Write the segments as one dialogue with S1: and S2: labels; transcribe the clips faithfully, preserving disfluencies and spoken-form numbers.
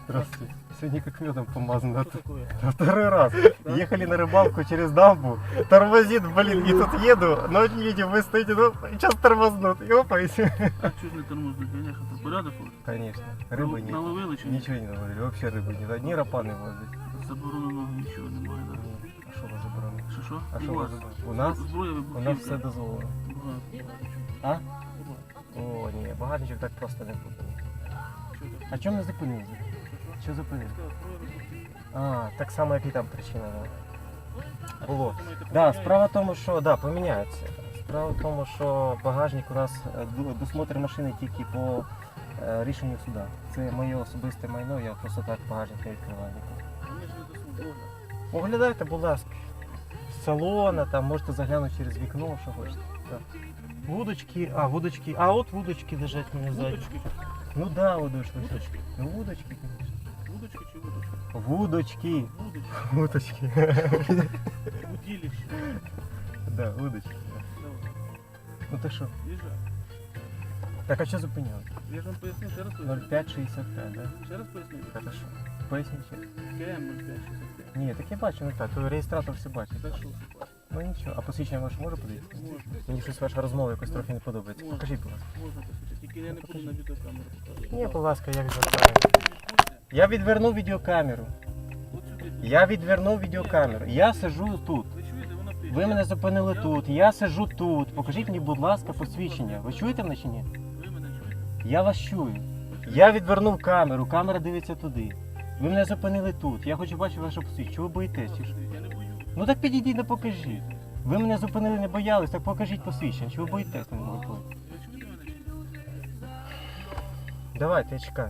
S1: Здравствуйте. Сегодня как медом помазано.
S2: Что такое?
S1: Второй раз. Ехали на рыбалку через дамбу. Тормозит, блин, и тут еду. Но не видим, вы стоите, ну, сейчас тормознут. И опа, и все.
S2: А чого ж не тормознуть? Я що, це порядок?
S1: Конечно. Рыбы нет.
S2: Наловили чи ні?
S1: Ничего не наловили. Вообще рыбы нет. Одни рапаны возят.
S2: Забороненого нічого немає, так?
S1: А що вас заборонено?
S2: Що що?
S1: А що
S2: У
S1: вас
S2: вас?
S1: заборонено? У нас?
S2: Зброя
S1: У
S2: вибухівка.
S1: нас все дозволено.
S2: Багато, багато чого.
S1: А?
S2: Багато.
S1: О, ні, багатичок так просто не буде.
S2: Що так?
S1: А чому не зупинили?
S2: Що, що?
S1: Що зупинили?
S2: Сказав, зброя вибухівка.
S1: А, так само, як і там причина була. Було.
S2: Думаєте,
S1: Да,
S2: поміняється?
S1: справа в тому, що да, поміняється. Справа в тому, що багажник у нас е, ду- досмотр машини тільки по е, рішенню суда. Це моє особисте майно, я просто так багажник не відкриваю ніколи.
S2: Вони ж не дослухали.
S1: Оглядайте, будь ласка. З салона, там можете заглянути через вікно, що хочете. Так. Вудочки, а, вудочки, а от вудочки лежать у мене ззаді.
S2: Вудочки.
S1: Ну да, вудочки.
S2: Вудочки.
S1: Ну вудочки, звісно.
S2: Вудочки чи вудочки?
S1: Вудочки.
S2: Вудочки.
S1: Вудочки.
S2: Удилище.
S1: Да, вудочки. да.
S2: Давай.
S1: Ну то що?
S2: Їжджай.
S1: Так, а що зупиняли?
S2: Я ж вам поясню, ще раз
S1: ноль
S2: поясню.
S1: п'ять шістдесят п'ять, да?
S2: Ще раз поясню.
S1: Хорошо. Поясніть. ще.
S2: КМ нуль п'ять шістдесят п'ять.
S1: Ні, так я бачу, не так. То реєстратор все бачить.
S2: Так що все бачите?
S1: Ну нічого. А посвідчення ваше може подивитися?
S2: Можна.
S1: Мені щось ваша розмова якось трохи не подобається.
S2: Можна.
S1: Покажіть, будь ласка.
S2: Можна посвідчити. Тільки я не буду на відеокамеру показувати.
S1: Ні, будь ласка, я відвертаю. Я відверну відеокамеру.
S2: От сюди.
S1: Я відверну відеокамеру. Я сиджу тут.
S2: Ви чуєте, вона пише.
S1: Ви мене зупинили тут. Я сиджу тут. Покажіть мені, будь ласка, посвідчення. Ви чуєте мене чи ні?
S2: Ви мене чуєте?
S1: Я вас чую. Я відвернув камеру, камера дивиться туди. Ви мене зупинили тут. Я хочу бачити ваше посвідчення. Чого ви боїтесь? чи що?
S2: Я не боюсь.
S1: Ну так підійдіть да покажіть. Ви мене зупинили, не боялись, так покажіть посвідчення. Чого ви боїтесь на мене?
S2: Ви чуєте мене чи ні?
S1: Давайте, я чекаю.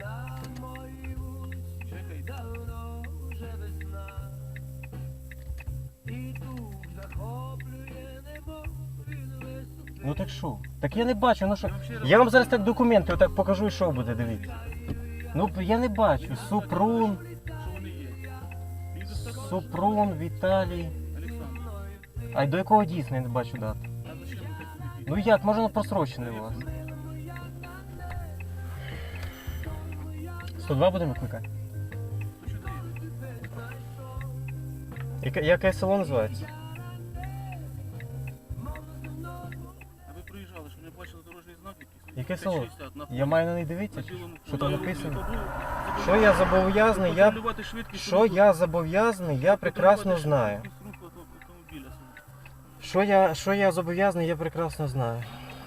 S2: Чекайте.
S1: Ну так що? Так я не бачу, ну що.
S2: Я вам ще раз
S1: Я вам зараз так документи отак покажу і що буде, дивіться. Ну я не бачу. Супрун,
S2: що вони є. Мені достатньо,
S1: Супрун, Віталій.
S2: Олександр.
S1: А й до якого дійсно я не бачу дати.
S2: А зачем ви собі?
S1: Ну як, може воно просрочене у вас? сто два будемо викликати?
S2: Ви що даєте?
S1: Яке, яке село називається?
S2: А ви проїжджали, що не бачили дорожній знак якийсь?
S1: Яке
S2: Т
S1: село?
S2: шістдесят на
S1: Я маю на них дивитися?
S2: на білому
S1: Що там
S2: фоні.
S1: написано?
S2: Забув-
S1: Що я зобов'язаний, я...
S2: Контролювати швидкість
S1: Що
S2: руху.
S1: я зобов'язаний, я прекрасно
S2: Контролювати
S1: знаю.
S2: швидкість руху авто- автомобіля свого.
S1: Що я, що я зобов'язаний, я прекрасно знаю.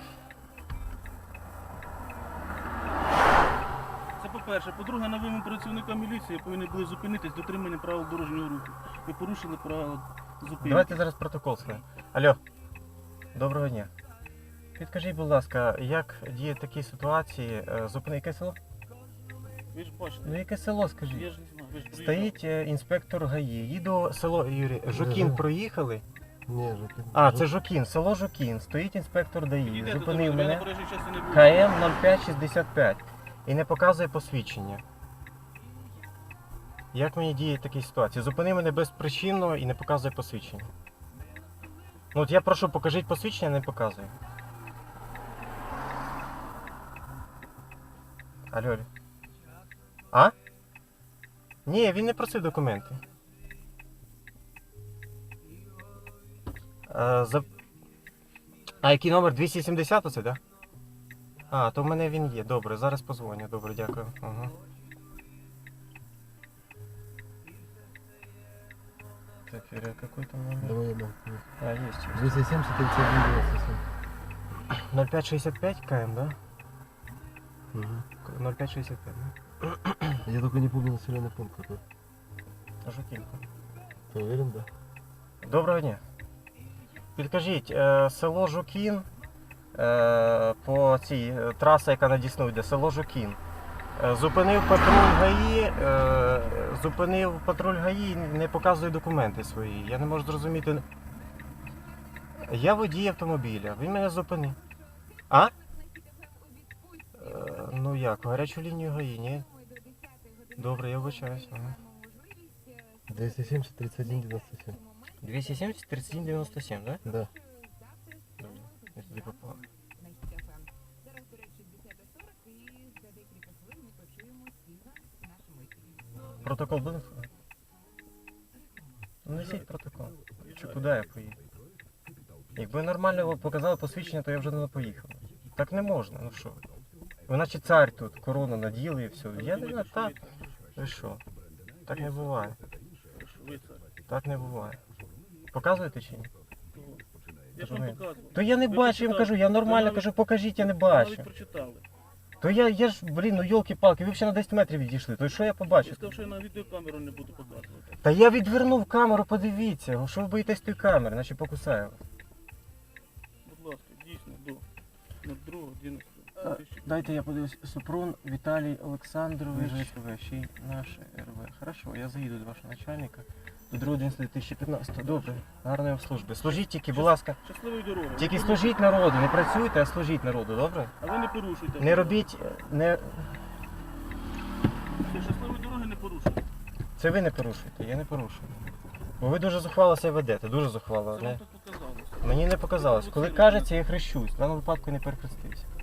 S2: Це по-перше. По-друге, на вимогу працівника міліції повинні були зупинитись дотримання правил дорожнього руху. Ви порушили правила зупинки.
S1: Давайте зараз протокол складемо. Алло, доброго дня. Підкажіть, будь ласка, як діє в такій ситуації? е, Зупини, яке село?
S2: Ви ж бачите.
S1: Ну яке село,
S2: Я
S1: скажіть?
S2: ж не знаю. Ви ж приїжджали.
S1: Стоїть е, інспектор ГАІ. Їду село Юрій. Жукін
S3: Ага.
S1: проїхали.
S3: Ні, Жукін.
S1: А, це Жукін, село Жукін. Стоїть інспектор ДАІ.
S2: Підійдете до
S1: Зупинив
S2: мене, я на
S1: мене.
S2: проїжджій частині не буду.
S1: КМ нуль п'ять шістдесят п'ять. І не показує посвідчення. Як мені діє в такій ситуації? Зупини мене безпричинно і не показує посвідчення. Ну от я прошу, покажіть посвідчення, не показує. Алло, алло. А? Ні, він не просив документи. А, за... а який номер? двісті сімдесят оце, так? Да? А, то в мене він є. Добре, зараз позвоню. Добре, дякую. Ага. Так, Юрий, а какой там номер?
S3: Давай я дам.
S1: А, есть.
S3: двести семьдесят тридцать один девяносто семь.
S1: ноль пять шестьдесят пять КМ, да?
S3: Угу.
S1: ноль пять шестьдесят пять, да?
S3: Я только не помню населенный пункт какой.
S1: Жуківка.
S3: Ты уверен, да?
S1: Доброго дня. Підкажіть, е, село Жукін, е, по цій е, траса, яка на Дісну йде, село Жукін. Е, зупинив патруль ГАІ, е, зупинив патруль ГАІ, не показує документи свої. Я не можу зрозуміти. Я водій автомобіля, він мене зупинив. А? Е, ну як, гарячу лінію ГАІ, ні? Добре, я вибачаюсь. Ага.
S3: двести семьдесят тридцать один девяносто семь.
S1: двісті сімдесят тридцять один дев'яносто сім, да?
S3: Да.
S1: Добре, я туди попав.
S4: Зараз, до речі, десята сорок і за декілька хвилин ми почуємо співак з нашим
S1: протокол будемо складати? Ну, несіть протокол. Чи куди я поїду? Якби нормально показали посвідчення, то я вже не поїхав. Так не можна, ну що? Ви наче цар тут, корону наділи і все. Я не знаю, так. Ви що? Так не буває.
S2: Ви це.
S1: Так не буває. Показуєте чи ні?
S2: Кого? Я ж вам
S1: Розумію.
S2: показував.
S1: То я не
S2: Ви
S1: бачу, я вам
S2: прочитали.
S1: кажу, я нормально
S2: навіть-
S1: кажу, покажіть, я не
S2: Ви
S1: бачу.
S2: навіть прочитали.
S1: То я, я ж, блін, ну йолки-палки, ви взагалі на десять метрів відійшли, то що я
S2: Я
S1: побачив?
S2: сказав, що я на відеокамеру не буду показувати.
S1: Та я відвернув камеру, подивіться, що ви боїтесь тої камери, наче покусаю вас.
S2: Будь ласка, дійсно, до другого, одинадцятого.
S1: Дайте я подивлюсь. Супрун Віталій Олександрович, ще й наше РВ. Хорошо, я заїду до вашого начальника. До другого дві тисячі п'ятнадцятого. Добре, гарної вам служби. Служіть тільки, будь ласка.
S2: Щасливої дороги.
S1: Тільки
S2: Ви
S1: служіть народу, не працюйте, а служіть народу, добре?
S2: порушуйте. А ви не порушуйте.
S1: Не робіть, не...
S2: Все, щасливої дороги не порушуйте.
S1: Це ви не порушуєте, я не порушую. Бо ви дуже зухвало себе ведете, дуже зухвало.
S2: Це
S1: Не?
S2: вам так показалося.
S1: Мені не показалось. Коли кажеться, я хрещусь. В даному випадку не перехрестився.